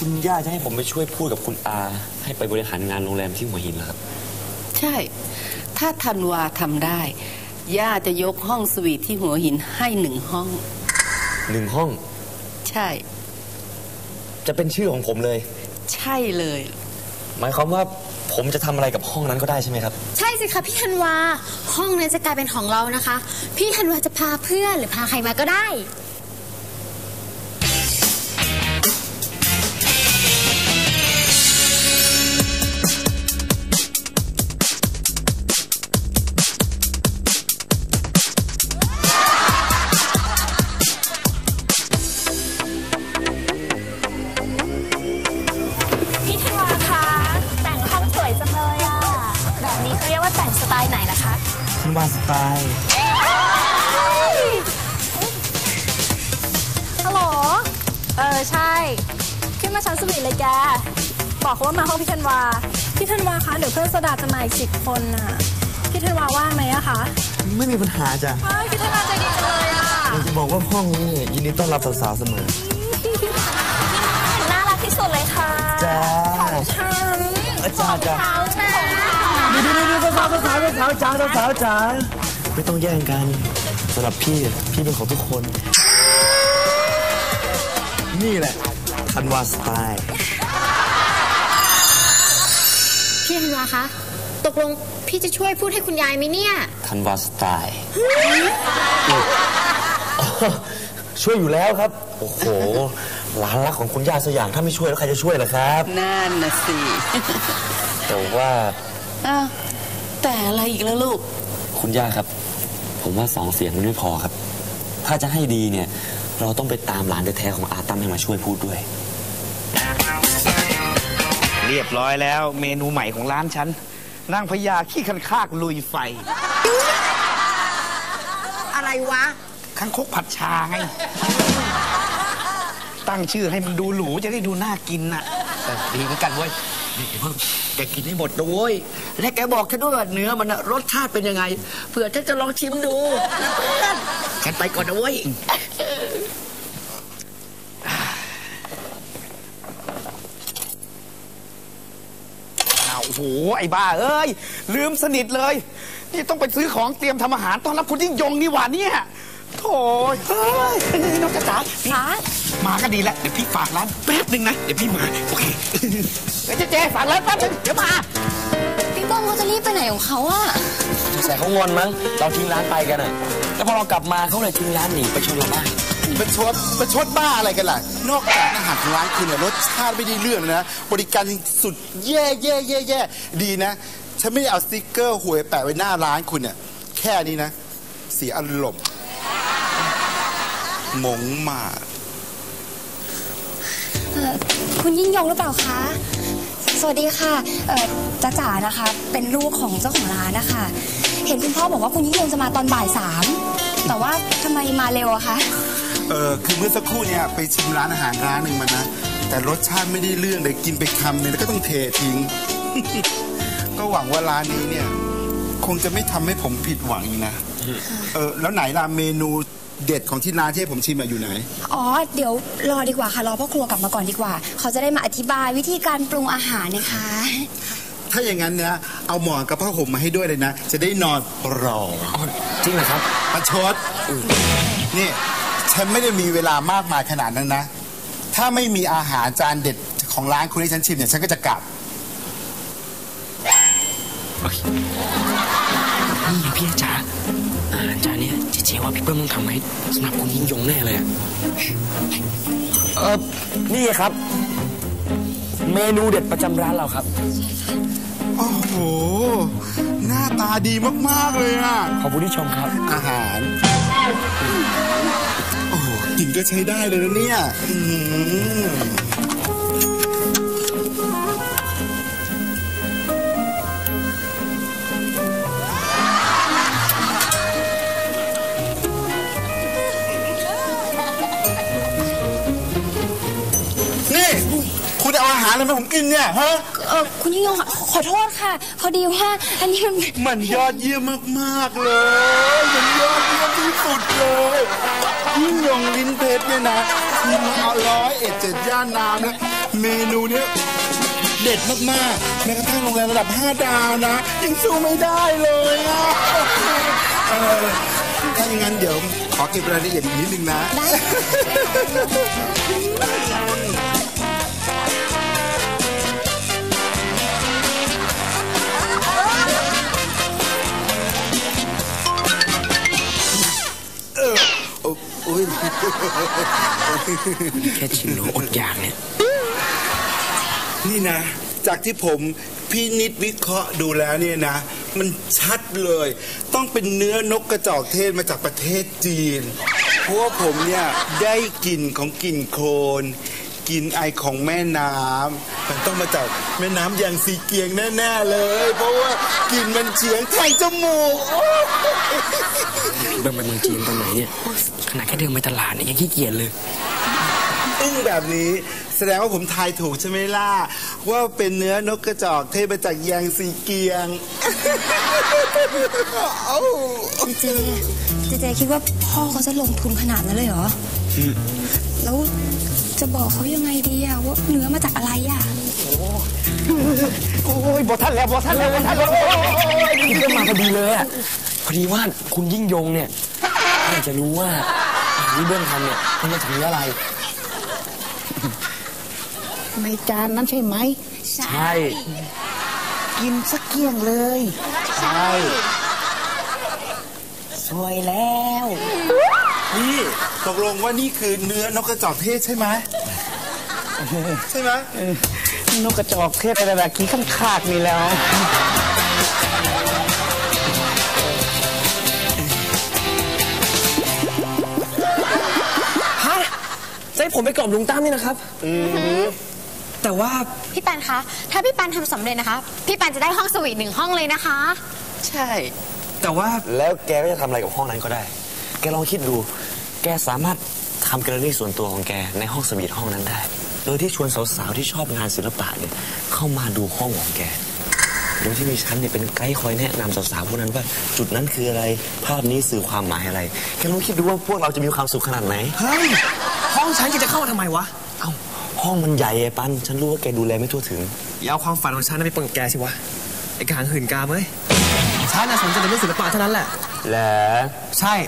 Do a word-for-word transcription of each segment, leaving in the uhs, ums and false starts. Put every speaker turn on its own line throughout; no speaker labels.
คุณย่าจะให้ผมไปช่วยพูดกับคุณอาให้ไปบริหารงานโรงแรมที่หัวหินเหรอครับ
ใช่ถ้าธันวาทำได้ย่าจะยกห้องสวีทที่หัวหินให้หนึ่งห้อง
หนึ่งห้อง
ใช่
จะเป็นชื่อของผมเลย
ใช่เลย
หมายความว่าผมจะทำอะไรกับห้องนั้นก็ได้ใช่ไหมครับ
ใช่สิคะพี่ธันวาห้องนั้นจะกลายเป็นของเรานะคะพี่ธันวาจะพาเพื่อนหรือพาใครมาก็ได้
คุณวาสไตล์
ฮัลโหลเออใช่ขึ้นมาชั้นสวีทเลยแกบอกเขาว่ามาห้องพี่ธันวาพี่ธันวาคะเดี๋ยวเพื่อนโซดาจะมาอีกสิบคนน่ะพี่ธันวาว่างไหมอะคะ
ไม่มีปัญหาจ้ะ
พี่ธันวาใจดีจังเลยอะ
อยากจะบอกว่าห้องนี้ยินดีต้อนรับสาวๆเสมอ
น่ารักที่สุดเลยค่ะ
จ้าอาจารย์จ้าดูดูดูสาวสาวสาวสาวจ้าสาวจ้าไม่ต้องแย่งกันสำหรับพี่พี่เป็นของทุกคนนี่แหละธันวาสไตล์
พี่ธันวาคะตกลงพี่จะช่วยพูดให้คุณยายไหมเนี่ย
ธันวาสไตล์ช่วยอยู่แล้วครับโอ้โหหลานรักของคุณย่าสักอย่างถ้าไม่ช่วยแล้วใครจะช่วยล่ะครับ
นั่นน่ะสิ
แต่ว่า
อ้าวแต่อะไรอีกแล้วลูก
คุณย่าครับผมว่าสองเสียงมันไม่พอครับถ้าจะให้ดีเนี่ยเราต้องไปตามหลานแท้ๆของอาตั้มให้มาช่วยพูดด้วย
เรียบร้อยแล้วเมนูใหม่ของร้านฉันนางพญาขี้คันคากลุยไฟ
อะไรวะ
คังคกผัดชาไงตั้งชื่อให้มันดูหรูจะได้ดูน่ากินน่ะ
แต่ดีเหมือนกันเว้ยนี่เพิ่มแกกินให้หมดนะเว้ยและแกบอกฉันด้วยว่าเนื้อมันรสชาติเป็นยังไงเผื่อฉันจะลองชิมดูนะเพื่อนฉันไปก่อนนะเว้ย
โอ้โหไอ้บ้าเอ้ยลืมสนิทเลยนี่ต้องไปซื้อของเตรียมทำอาหารต้อนรับคุณยิ่งยงนี่หว่าเนี่ยโถ่เฮ้ยน้องจ๋าจ๋ามาก็ดีแล้วเดี๋ยวพี่ฝากร้านแป๊บนึงนะเดี๋ยวพี่มาโอเคเดี๋ยวเจ๊ฝากร้านแป๊บนึงเดี๋ยวมา
พี่ป้องเขาจะรีบไปไหนของเขาอะ
ใส่เขางอนมั้งเราทิ้งร้านไปกันน่ะแล้วพอเรากลับมาเขาเลยทิ้งร้านหนีไปชนเราบ้าน
ประชดประชดบ้าอะไรกันล่ะนอกจากอาหารของร้านคุณเนี่ยรสชาติไม่ได้เรื่องนะบริการสุดแย่แย่แย่แย่ดีนะฉันไม่ได้เอาสติ๊กเกอร์หวยแปะไว้หน้าร้านคุณเนี่ยแค่นี้นะเสียอารมณ์หมงมาก
คุณยิ่งยงหรือเปล่าคะสวัสดีค่ะจ้าจ๋านะคะเป็นลูกของเจ้าของร้านนะคะเห็นคุณพ่อบอกว่าคุณยิ่งยงจะมาตอนบ่ายสามแต่ว่าทำไมมาเร็วอะคะ
เออคือเมื่อสักครู่เนี่ยไปชิมร้านอาหารร้านหนึ่งมานะแต่รสชาติไม่ได้เรื่องเลยกินไปคำนึงแล้วก็ต้องเททิ้ง ก็หวังว่าร้านนี้เนี่ยคงจะไม่ทำให้ผมผิดหวังอีกนะเออแล้วไหนล่ะเมนูเด็ดของที่ร้านที่ผมชิมอยู่ไหน
อ๋อเดี๋ยวรอดีกว่าค่ะรอพ่อครัวกลับมาก่อนดีกว่าเขาจะได้มาอธิบายวิธีการปรุงอาหารนะคะ
ถ้าอย่างนั้นเนี่ยเอาหมอนกับผ้าห่มมาให้ด้วยเลยนะจะได้นอนรอ
จริงเหรอครับ
ประชดนี่ฉันไม่ได้มีเวลามากมายขนาดนั้นนะถ้าไม่มีอาหารจานเด็ดของร้านคุณให้ฉันชิมเนี่ยฉันก็จะกลับ
นี่พี่จ๋าอาหารจานนี้เจ๊ว่าพี่เปิ้ลต้องทำให้สำหรับคุณยิ่งยงแน่เลยเออนี่ครับเมนูเด็ดประจำร้านเราครับ
โอ้โหหน้าตาดีมากๆเลยอ่ะ
ขอบคุณที่ชมครับ
อาหารโอ้กินก็ใช้ได้เลยนะเนี่ยคุณเอาอาหารอะไรมาผมกินเนี่ยฮะ
เออคุณยิ่งยงขอโทษค่ะพอดีว่าอันนี้มัน
มันยอดเยี่ยมมากๆเลยมันยอดเยี่ยมที่สุดเลยยิ่งยงลิ้นเพชรเนี่ยนะคือมาเอาร้อยเอ็ดเจ็ดย่านน้ำนะเมนูเนี้ยเด็ดมากๆแม้กระทั่งโรงแรมระดับห้าดาวนะยังสู้ไม่ได้เลยอ่ะเออถ้าอย่างนั้นเดี๋ยวขอเก็บรายละเอียดอีกนิดนึงนะได้
แค่ชิมหนูอดอยากเนี่ย
นี่นะจากที่ผมพี่นิดวิเคราะห์ดูแล้วเนี่ยนะมันชัดเลยต้องเป็นเนื้อนกกระจอกเทศมาจากประเทศจีนเพราะว่าผมเนี่ยได้กลิ่นของกลิ่นโคลนกลิ่นไอของแม่น้ำมันต้องมาจากแม่น้ำยางซีเกียงแน่ๆเลยเพราะว่ากลิ่นมันเฉียงทางจมูก
เดินไปเมืองจีนตอนไหนเนี่ยขนาดแค่เดินไปตลาดเนี่ยยังขี้เกียจเลย
อึ้งแบบนี้แสดงว่าผมทายถูกใช่ไหมล่ะว่าเป็นเนื้อนกกระจอกเทศมาจากยางซีเกียง
เจเจเจคิดว่าพ่อเขาจะลงทุนขนาดนั้นเลยเหรอแล้วจะบอกเขายังไงดีอะว่าเนื้อมาจากอะไรอะ
โอ้ยบอท่านแล้วบอท่านแล้วบอท่านแล้ว
นี่ก็มาพอดีเลยอะพอดีว่าคุณยิ่งยงเนี่ยอยากจะรู้ว่าอาหารที่เบิ้ลทำเนี่ยมันมาจากเนื้ออะไร
ในจานนั้นใช่ไหม
ใช่
กินสักเกี้ยงเลย
ใช่
สวยแล้ว
นี่ตกลงว่านี่คือเนื้อนกกระจอกเทศใช่ไหมใช่ไหม
นกกระจอกเทศอะไรแบบกี้ข้างคากนี่แล้ว
ฮะจะให้ผมไปกล่อมลุงตั้มนี่นะครับอือแต่ว่า
พี่ปันคะถ้าพี่ปันทำสำเร็จนะคะพี่ปันจะได้ห้องสวีทหนึ่งห้องเลยนะคะ
ใช่
แต่ว่า
แล้วแกก็จะทำอะไรกับห้องนั้นก็ได้แกลองคิดดูแกสามารถทำแกลเลอรี่ส่วนตัวของแกในห้องสวีทห้องนั้นได้โดยที่ชวนสาวๆที่ชอบงานศิลปะเนี่ยเข้ามาดูห้องของแกโดยที่มีฉันเนี่ยเป็นไกด์คอยแนะนำสาวๆพวกนั้นว่าจุดนั้นคืออะไรภาพนี้สื่อความหมายอะไรแกลองคิดดูว่าพวกเราจะมีความสุขขนาดไหน
เฮ้ยห้องฉันจะเข้ามาทำไมวะ
เอ้าห้องมันใหญ่ไอ้ปันฉันรู้ว่าแกดูแลไม่ทั่วถึง
อย่าเอาความฝันของฉันไปปนกับแกสิวะไอ้กางหื่นกามเอ้ยฉันน่ะสนใจในเรื่องศิลปะเท่านั้นแหละ
แหละ
ใช่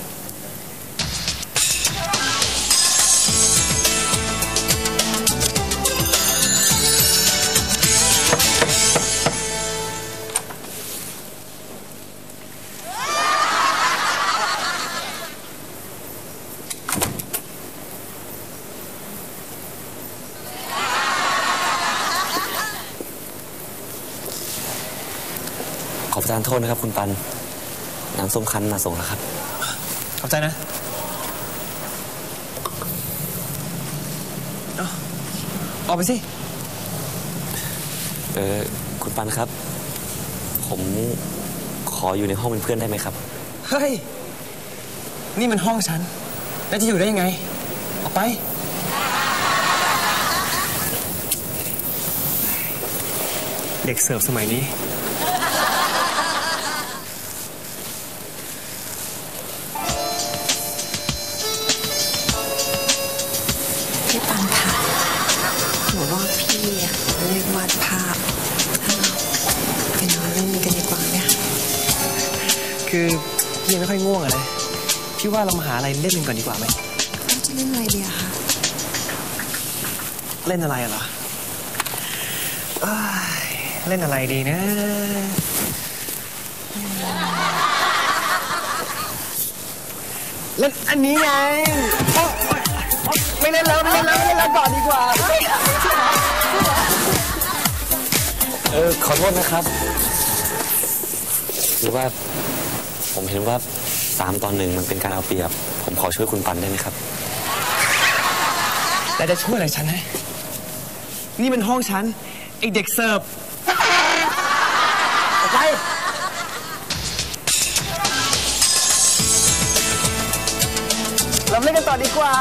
ขอประทานโทษนะครับคุณปันน้ำส้มคั้นมาส่งแล้วครับ
ขอบใจนะเอาออกไปสิ
เออคุณปันครับผมขออยู่ในห้องเป็นเพื่อนได้ไหมครับ
เฮ้ยนี่มันห้องฉันแล้วจะอยู่ได้ยังไงออกไปเด็กเสิร์ฟสมัยนี้คือยังไม่ค่อยง่วงอะนะพี่ว่าเรามาหาอะไรเล่นกันก่อนดีกว่าไหม
เราจะเล่นอะไรดีอะคะ
เล่นอะไรเหรอเล่นอะไรดีนะเล่นอันนี้ไงไม่เล่นแล้วไม่เล่นแล้วไม่เล่นแล้วก่อนดีกว่า
เออขอโทษนะครับหรือว่าผมเห็นว่าสามตอนหนึ่งมันเป็นการเอาเปรียบผมขอช่วยคุณปันได้ไหมครับ
แต่จะช่วยอะไรฉันให้นี่มันห้องฉันไอเด็กเสิร์ฟไปเราเล่นกันต่อดีกว่า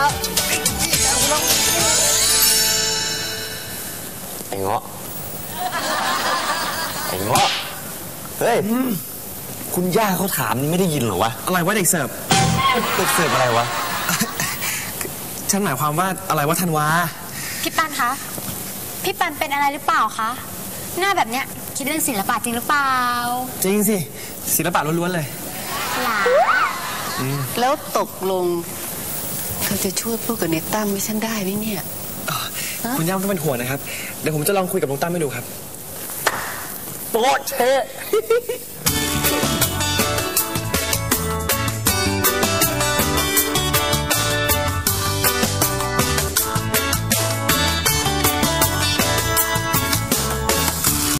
ไอ้เงาะไอ้เงาะเฮ้ยคุณย่าเขาถามนี่ไม่ได้ยินเหรอวะ
อะไรวะเด็กเสิร์ฟ
เด็กเสิร์ฟอะไรวะ
ฉันหมายความว่าอะไรวะธันวา
พี่ปันคะ พี่ปันเป็นอะไรหรือเปล่าคะ หน้าแบบเนี้ยคิดเรื่องศิลปะจริงหรือเปล่า
จริงสิศิลปะล้วนๆเลย
หลา
แล้วตกลงเธอจะช่วยพูดกับเนตั้มให้ฉันได้ไหมเนี่ย
คุณย่าไม่ต้องเป็นห่วงนะครับเดี๋ยวผมจะลองคุยกับลุงตั้มให้ดูครับโป๊ะเชะ